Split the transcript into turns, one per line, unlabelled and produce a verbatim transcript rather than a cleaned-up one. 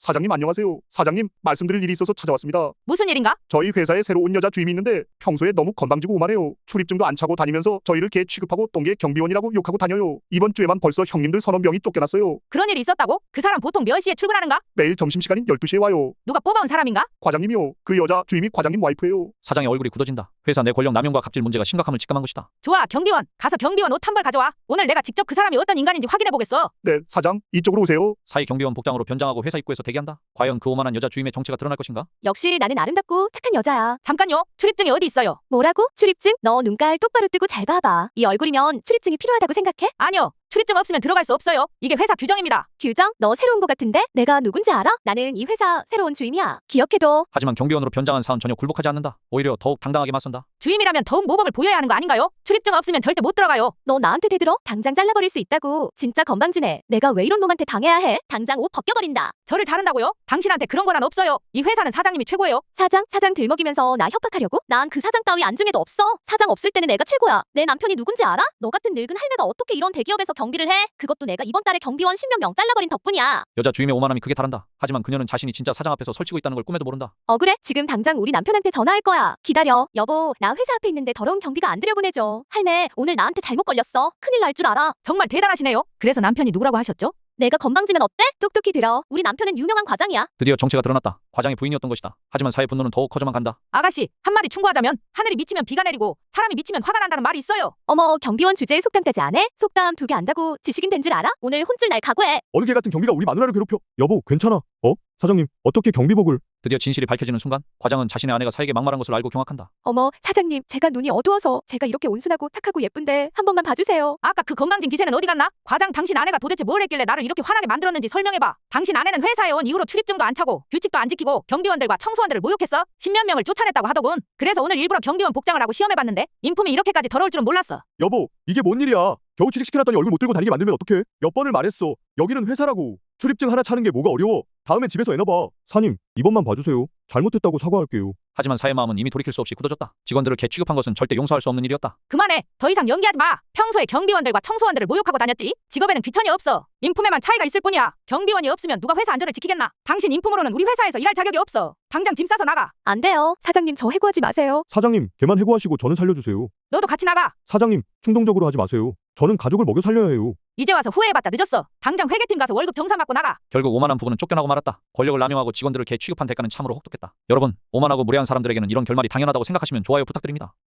사장님 안녕하세요. 사장님, 말씀드릴 일이 있어서 찾아왔습니다.
무슨 일인가?
저희 회사에 새로 온 여자 주임이 있는데 평소에 너무 건방지고 오만해요. 출입증도 안 차고 다니면서 저희를 개 취급하고 똥개 경비원이라고 욕하고 다녀요. 이번 주에만 벌써 형님들 서너 명이 쫓겨났어요.
그런 일이 있었다고? 그 사람 보통 몇 시에 출근하는가?
매일 점심시간인 열두 시에 와요.
누가 뽑아온 사람인가?
과장님이요. 그 여자 주임이 과장님 와이프예요.
사장의 얼굴이 굳어진다. 회사 내 권력 남용과 갑질 문제가 심각함을 직감한 것이다.
좋아, 경비원. 가서 경비원 옷 한 벌 가져와. 오늘 내가 직접 그 사람이 어떤 인간인지 확인해보겠어.
네, 사장, 이쪽으로 오세요.
사이 경비원 복장으로 변장하고 회사 입구에서 대기한다. 과연 그 오만한 여자 주임의 정체가 드러날 것인가?
역시 나는 아름답고 착한 여자야.
잠깐요. 출입증이 어디 있어요?
뭐라고? 출입증? 너 눈깔 똑바로 뜨고 잘 봐봐. 이 얼굴이면 출입증이 필요하다고 생각해?
아니요. 출입증 없으면 들어갈 수 없어요. 이게 회사 규정입니다.
규정? 너 새로운 거 같은데? 내가 누군지 알아? 나는 이 회사 새로운 주임이야. 기억해둬.
하지만 경비원으로 변장한 사은 전혀 굴복하지 않는다. 오히려 더욱 당당하게 맞선다.
주임이라면 더욱 모범을 보여야 하는 거 아닌가요? 출입증 없으면 절대 못 들어가요.
너 나한테 대들어? 당장 잘라버릴 수 있다고. 진짜 건방지네. 내가 왜 이런 놈한테 당해야 해? 당장 옷 벗겨버린다.
저를 자른다고요? 당신한테 그런 건 없어요. 이 회사는 사장님이 최고예요.
사장? 사장 들먹이면서 나 협박하려고? 난 그 사장 따위 안중에도 없어. 사장 없을 때는 내가 최고야. 내 남편이 누군지 알아? 너 같은 늙은 할매가 어떻게 이런 대기업에서 경비를 해? 그것도 내가 이번 달에 경비원 십몇 명 잘라버린 덕분이야.
여자 주임의 오만함이 크게 달한다. 하지만 그녀는 자신이 진짜 사장 앞에서 설치고 있다는 걸 꿈에도 모른다.
억울해? 지금 당장 우리 남편한테 전화할 거야. 기다려. 여보, 나 회사 앞에 있는데 더러운 경비가 안 들여보내줘. 할매, 오늘 나한테 잘못 걸렸어. 큰일 날 줄 알아.
정말 대단하시네요. 그래서 남편이 누구라고 하셨죠?
내가 건방지면 어때? 똑똑히 들어. 우리 남편은 유명한 과장이야.
드디어 정체가 드러났다. 과장의 부인이었던 것이다. 하지만 사회 분노는 더욱 커져만 간다.
아가씨, 한마디 충고하자면 하늘이 미치면 비가 내리고 사람이 미치면 화가 난다는 말이 있어요.
어머, 경비원 주제에 속담까지 안 해? 속담 두 개 안다고 지식인 된 줄 알아? 오늘 혼쭐 날 각오해.
어느 개 같은 경비가 우리 마누라를 괴롭혀. 여보, 괜찮아. 어? 사장님, 어떻게 경비복을?
드디어 진실이 밝혀지는 순간 과장은 자신의 아내가 사에게 막말한 것을 알고 경악한다.
어머, 사장님, 제가 눈이 어두워서 제가 이렇게 온순하고 착하고 예쁜데 한 번만 봐주세요.
아까 그 건방진 기세는 어디 갔나? 과장, 당신 아내가 도대체 뭘 했길래 나를 이렇게 화나게 만들었는지 설명해봐. 당신 아내는 회사에 온 이후로 출입증도 안 차고 규칙도 안 지키고 경비원들과 청소원들을 모욕했어. 십몇 명을 쫓아냈다고 하더군. 그래서 오늘 일부러 경비원 복장을 하고 시험해봤는데 인품이 이렇게까지 더러울 줄은 몰랐어.
여보, 이게 뭔 일이야? 겨우 취직시켜놨더니 얼굴 못 들고 다니게 만들면 어떡해? 몇 번을 말했어. 여기는 회사라고. 출입증 하나 차는 게 뭐가 어려워. 다음엔 집에서 애나봐. 사님, 이번만 봐주세요. 잘못했다고 사과할게요.
하지만 사의 마음은 이미 돌이킬 수 없이 굳어졌다. 직원들을 개 취급한 것은 절대 용서할 수 없는 일이었다.
그만해. 더 이상 연기하지 마. 평소에 경비원들과 청소원들을 모욕하고 다녔지. 직업에는 귀천이 없어. 인품에만 차이가 있을 뿐이야. 경비원이 없으면 누가 회사 안전을 지키겠나? 당신 인품으로는 우리 회사에서 일할 자격이 없어. 당장 짐 싸서 나가.
안 돼요. 사장님, 저 해고하지 마세요.
사장님, 걔만 해고하시고 저는 살려주세요.
너도 같이 나가.
사장님, 충동적으로 하지 마세요. 저는 가족을 먹여 살려야 해요.
이제 와서 후회해봤자 늦었어. 당장 회계팀 가서 월급 정산 받고 나가.
결국 오만한 부부는 쫓겨나고 말았다. 권력을 남용하고 직원들을 개 취급한 대가는 참으로 혹독했다. 여러분, 오만하고 무례한 사람들에게는 이런 결말이 당연하다고 생각하시면 좋아요 부탁드립니다.